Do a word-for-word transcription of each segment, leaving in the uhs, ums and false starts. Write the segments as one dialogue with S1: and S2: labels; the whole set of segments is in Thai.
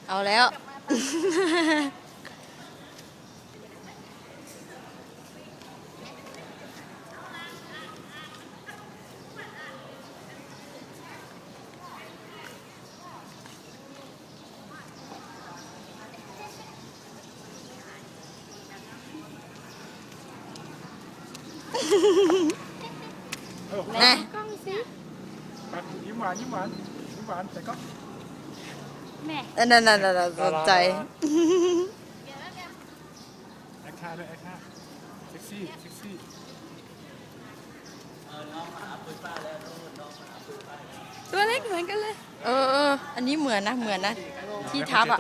S1: เอาแล้วนะ
S2: กล้องสิยิ้มหวานยิ้มหวานยิ้มหวานแต่ก็
S1: แม่นั่นนั่นนั่นสนใจ
S2: แอคท่าด้วยแอคท่าเซ็กซี่เซ็กซี่
S1: ตัวเล็กเหมือนกันเลยเออเอออันนี้เหมือนนะเหมือนนะที่ทับอ่ะ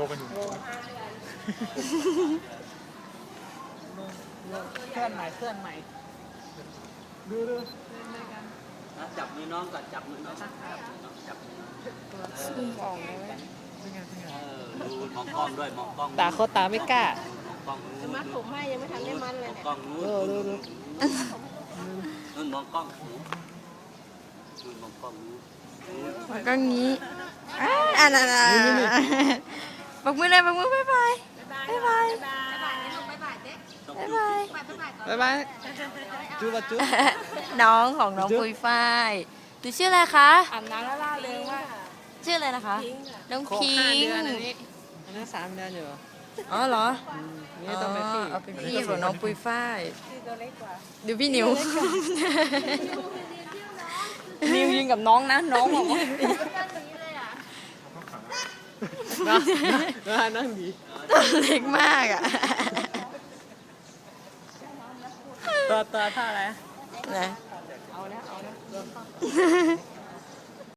S3: เคลื่อนใหม่เคลื่อนใหม่
S2: ดูดู
S3: จับมือน้องก่อนจับมือน้องจับมือ
S1: ซุ่มออกเลย
S3: ดูมองกล้องด้วยมองกล้อง
S1: ตาเขาตาไม่กล้า
S3: กล้อง
S4: จะมัดผมให้ยังไม่ทันได้มัดเลยเนี่ย
S3: กล้องนู้นดูดูนู่นมองกล้องนู่นมองกล้องนู้น
S1: มันก็งี้อ่าอ่าอ่าปักมือเลยปักมือบายบายบายบายบายบายบายบาย
S3: จูบจูบ
S1: น้องของน้องปุยฝ้ายหนูชื่ออะไรคะ
S4: อาบน้ำแล้วล่าเริงว่า
S1: ชื่ออะไรนะคะน้องพิงค์
S3: อันนี้สามเดือนอยู่
S1: อ๋อเหรอ
S3: นี่ต้องเป็นพี่
S1: เอาเป็นพี่ของน้องปุยฝ้าย
S4: ตัวเล็กกว่า
S1: ดูพี่นิวนิวยิงกับน้องนะน้องบอกว่า
S3: นั่งดี
S1: ตัวเล็กมากอ่ะ
S3: ตัวตัวท่าอะไร
S1: นะ
S4: เอาแล้วเอาแล้ว